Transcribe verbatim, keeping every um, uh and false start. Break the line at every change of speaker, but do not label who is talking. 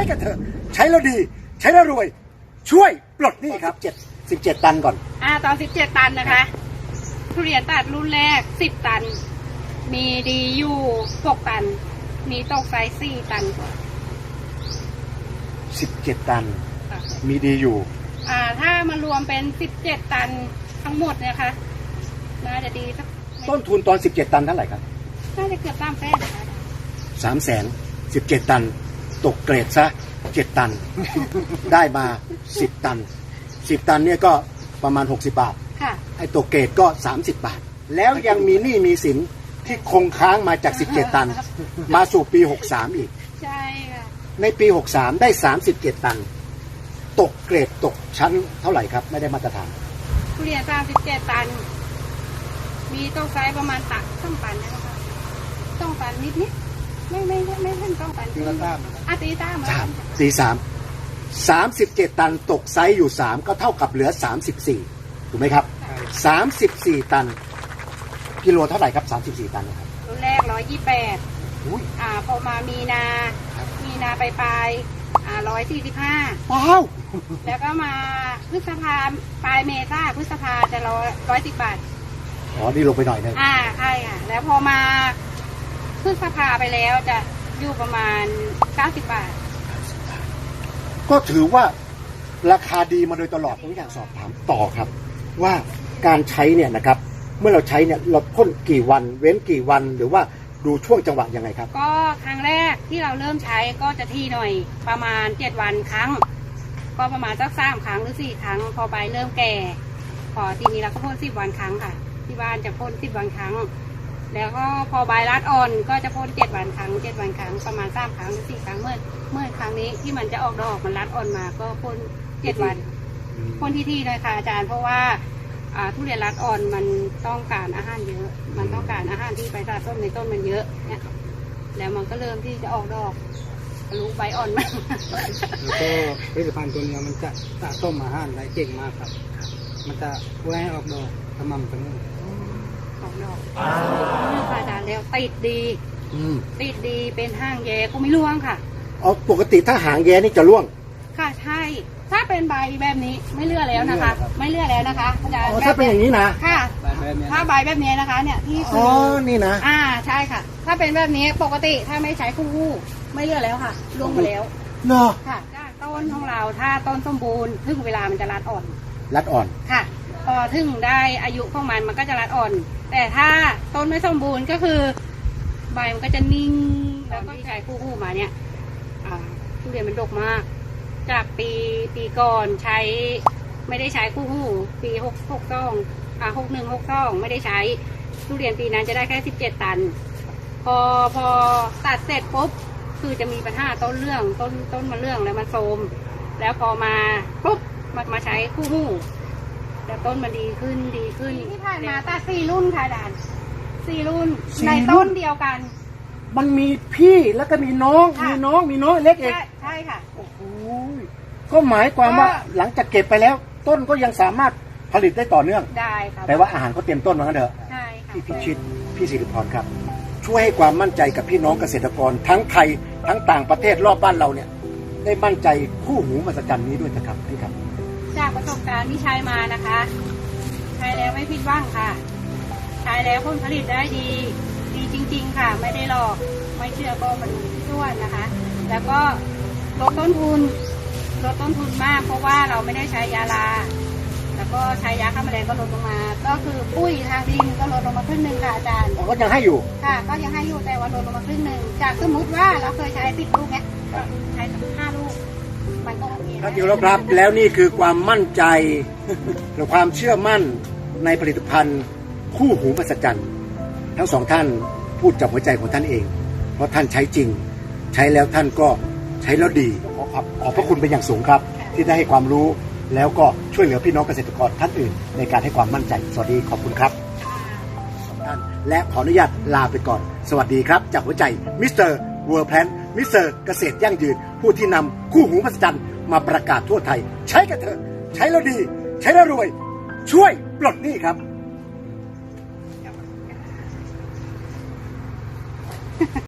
กันเถอะใช้แล้วดีใช้แล้วรวยช่วยปลดหนี้ครับเจ็ดสิบเจ็ดตันก่อน
อ่าตอนสิบเจ็ดตันนะคะทุเรียนตัดรุ่นแรกสิบตันมีดีอยู่หกตันมีตกไซส์สี่ตัน
สิบเจ็ดตันมีดีอยู่
อ่าถ้ามารวมเป็นสิบเจ็ดตันทั้งหมดเนี่ยค่ะน่าจะดีสัก
ต้นทุนตอนสิบเจ็ดตันเท่าไหร่ครับ
น่าจะเกือบสามแสนนะคะ
สามแสนสิบเจ็ดตันตกเกรดซะเจ็ดตัน ได้มาสิบตันสิบตันเนี่ยก็ประมาณหกสิบบาท
ค่ะ
ไอ้ตกเกรดก็สามสิบบาทแล้วยังมีหนี้มีสินที่คงค้างมาจากสิบเจ็ดตันมาสู่ปีหกสามอีก
ใช่ค่ะ
ในปีหกสามได้สามสิบเจ็ดตันตกเกรดตกชั้นเท่าไหร่ครับไม่ได้มาตรฐาน
ทุเรียนสามสิบเจ็ดตันมีตกไซส์ประมาณตักต้องตันนะคะต้องตันนิดนิดไม่ไม่ไม่ไม่ไม่ต้องตัน
ตีละตาม
อ่ะตีตาม
สามตีสามสามสิบเจ็ดตันตกไซส์อยู่สามก็เท่ากับเหลือสามสิบสี่ถูกไหมครับสามสิบสี่ตันกิโลเท่าไหร่ครับสามสิบสี่ตันนะครับ
รุ่นแรกร้อยยี่แปดอ่าพอมามีนามีนาไปปลายอ่าร้อยสี่สิบห้า
ว้าว
แล้วก็มาพฤษภาปลายเมษาพฤษภาจะร้อยร้อยสิบบาท
อ๋อนี่ลงไปหน่อยนึง
อ่าใช่ค่ะแล้วพอมาพฤษภาไปแล้วจะอยู่ประมาณเก้าสิบบาท
ก็ถือว่าราคาดีมาโดยตลอดผมอยากสอบถามต่อครับว่าการใช้เนี่ยนะครับเมื่อเราใช้เนี่ยเราพ่นกี่วันเว้นกี่วันหรือว่าดูช่วงจังหวะยังไงครับ
ก็ครั้งแรกที่เราเริ่มใช้ก็จะที่หน่อยประมาณเจ็ดวันครั้งก็ประมาณสักสามครั้งหรือสี่ครั้งพอใบเริ่มแก่พอทีนี้เราก็พ่นสิบวันครั้งค่ะที่บ้านจะพ่นสิบวันครั้งแล้วก็พอใบรัดอ่อนก็จะพ่นเจ็ดวันครั้งเจ็ดวันครั้งประมาณสามครั้งหรือสี่ครั้งเมื่อเมื่อครั้งนี้ที่มันจะออกดอกมันรัดอ่อนมาก็พ่นเจ็ดวันพ่นที่ที่เลยค่ะอาจารย์เพราะว่าทุเรียนรัดอ่อนมันต้องการอาหารเยอะมันต้องการอาหารที่ไปสะสมในต้นมันเยอะเนี่ยแล้วมันก็เริ่มที่จะออกดอกรู้ใบอ่อนมาก
แล้วก็ผลิตภัณฑ์ตัวนี้มันจะสะสมอาหารได้เก่งมากครับมันจะช่วยให้ออกดอกสม่ำเสมอ
ออกดอกค่ะอาจารย์แล้วติดดีติดดีเป็นห้างแย่ก็ไม่ร่วงค่ะ
อ๋อปกติถ้าหางแย่นี่จะร่วง
ค่ะใช่ถ้าเป็นใบแบบนี้ไม่เลือกแล้วนะคะไม่เลือกแล้วนะคะอาจารย์
ถ้าเป็นอย่างนี้นะ
ค่ะถ้าใบแบบนี้นะคะเนี่ยที่
อ๋อนี่นะ
อ่าใช่ค่ะถ้าเป็นแบบนี้ปกติถ้าไม่ใช้คู่หูไม่เลือกแล้วค่ะลงไปแล้ว
เนาะ
ค่ะต้นของเราถ้าต้นสมบูรณ์ถึงเวลามันจะรัดอ่อน
รัดอ่อน
ค่ะพอถึงได้อายุของมันมันก็จะรัดอ่อนแต่ถ้าต้นไม่สมบูรณ์ก็คือใบมันก็จะนิ่งแล้วก็ใช้คู่หูมาเนี่ยอ่าทุเรียนมันดกมากจากปีปีก่อนใช้ไม่ได้ใช้คู่หูปีหกหกสองอ่าหกหนึ่งหกสองไม่ได้ใช้ทุเรียนปีนั้นจะได้แค่สิบเจ็ดตันพอพอตัดเสร็จปุ๊บคือจะมีปัญหาต้นเรื่องต้นต้นมาเรื่องแล้วมันโทรมแล้วพอมาปุ๊บมามาใช้คู่หูแต่ต้นมันดีขึ้นดีขึ้นที่ผ่านมาตัดสี่รุ่นค่ะด่านสี่รุ่นในต้นเดียวกัน
มันมีพี่แล้วก็มีน้องมีน้องมีน้องเล็กเอง
ใช่ค่ะ
โอ้โหก็หมายความว่าหลังจากเก็บไปแล้วต้นก็ยังสามารถผลิตได้ต่อเนื่อง
ได้ครับ
แต่ว่าอาหารก็เต็มต้นเหมือนกันเถอะ
ใช่ค่ะ
พี่พิชิตพี่สิริพรครับช่วยให้ความมั่นใจกับพี่น้องเกษตรกรทั้งไทยทั้งต่างประเทศรอบบ้านเราเนี่ยได้มั่นใจคู่หูมหัศจรรย์นี้ด้วยนะครับพี่ครับ
จากประสบการณ์ที่ใช้มานะคะใช้แล้วไม่ผิดหวังค่ะใช้แล้วผลผลิตได้ดีดีจริงๆค่ะไม่ได้หลอกไม่เชื่อก็มาดูที่ส่วนนะคะแล้วก็ลดต้นทุนลดต้นทุนมากเพราะว่าเราไม่ได้ใช้ยาลาแล้วก็ใช้ยาฆ่าแมลงก็ลดลงมาก็คือปุ้ยทางดินก็ลดลงมาครึ่งหนึ่งค่ะอาจารย์
ก็ยังให้อยู่
ค่ะก็ยังให้อยู่แต่ว่าลดลงมาครึ่งหนึ่งจากสมมติว่าเราเคยใช้สิบลูกเนี้ยใช้ห้าลูกมันก็โอเค
ครับอยู่แล้วครับแล้วนี่คือความมั่นใจและความเชื่อมั่นในผลิตภัณฑ์คู่หูมหัศจรรย์ทั้งสองท่านพูดจากหัวใจของท่านเองเพราะท่านใช้จริงใช้แล้วท่านก็ใช้แล้วดีขอขอบขอบพระคุณเป็นอย่างสูงครับที่ได้ให้ความรู้แล้วก็ช่วยเหลือพี่น้องเกษตรกรท่านอื่นในการให้ความมั่นใจสวัสดีขอบคุณครับท่านและขออนุญาตลาไปก่อนสวัสดีครับจากหัวใจมิสเตอร์เวิร์แพลนมิสเตอร์เกษตรยั่งยืนผู้ที่นำคู่หูมหัศจรรย์มาประกาศทั่วไทยใช้กันเถอะใช้แล้วดีใช้แล้วรวยช่วยปลดหนี้ครับ